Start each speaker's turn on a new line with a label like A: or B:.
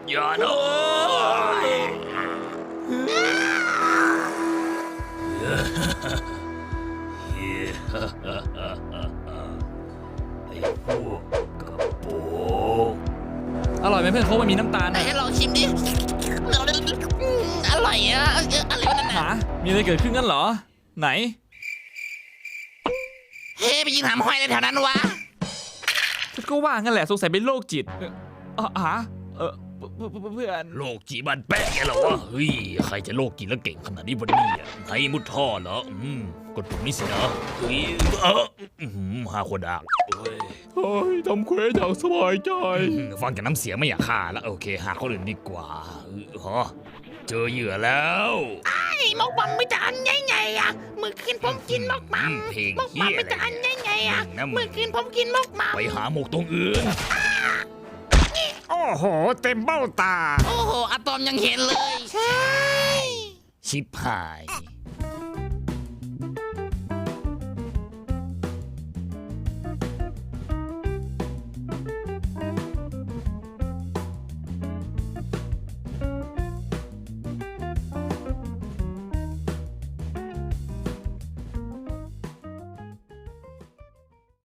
A: อย่านะไอ้พวกกระโปง
B: อร่อยไหมเพื่อนโค้กมันมีน้ำตาล
C: ไหนลองชิมดิอร่อยอะอะไรวะนั่น
B: หา
C: น่ะ
B: มีอะไรเกิดขึ้นกันเหรอไหน
C: เฮ้ไปยิงหามห้อยในแถวนั้นวะ
B: ฉันก็ว่างั้นแหละสงสัยเป็นโรคจิตเพื่อน
A: โลกจีบันแปะแกเหรอวะเฮ้ยใครจะโลกจีแล้วเก่งขนาดนี้วะเนี่ยไงมุดท่อเหรอกดปุ่มนี้สินะเฮ้ยหาคนดักเฮ้ยทำเควสอย่างสบายใจฟังจากน้ำเสียงไม่อยากฆ่าแล้วโอเคหาคนอื่นดีกว่าฮะเจอเหยื่อแล้ว
C: ไอ้มกบัมไม่จะอันใหญ่ๆอะเมื่อคืนผมกินมกบัม
A: เพลง
C: มก
A: เฮี
C: บัม
A: ย
C: ไม่
A: อะไร
C: จะอัน
A: เนี่ย
C: ใหญ่ๆอะเมื่อคืนผมกินมกบัม
A: ไปหาหมกตรงอื่น
D: โอ้โหเต็มเบ้าตา
C: โอ้โหอะตอมยังเห็นเลยใช่
A: ชิบหาย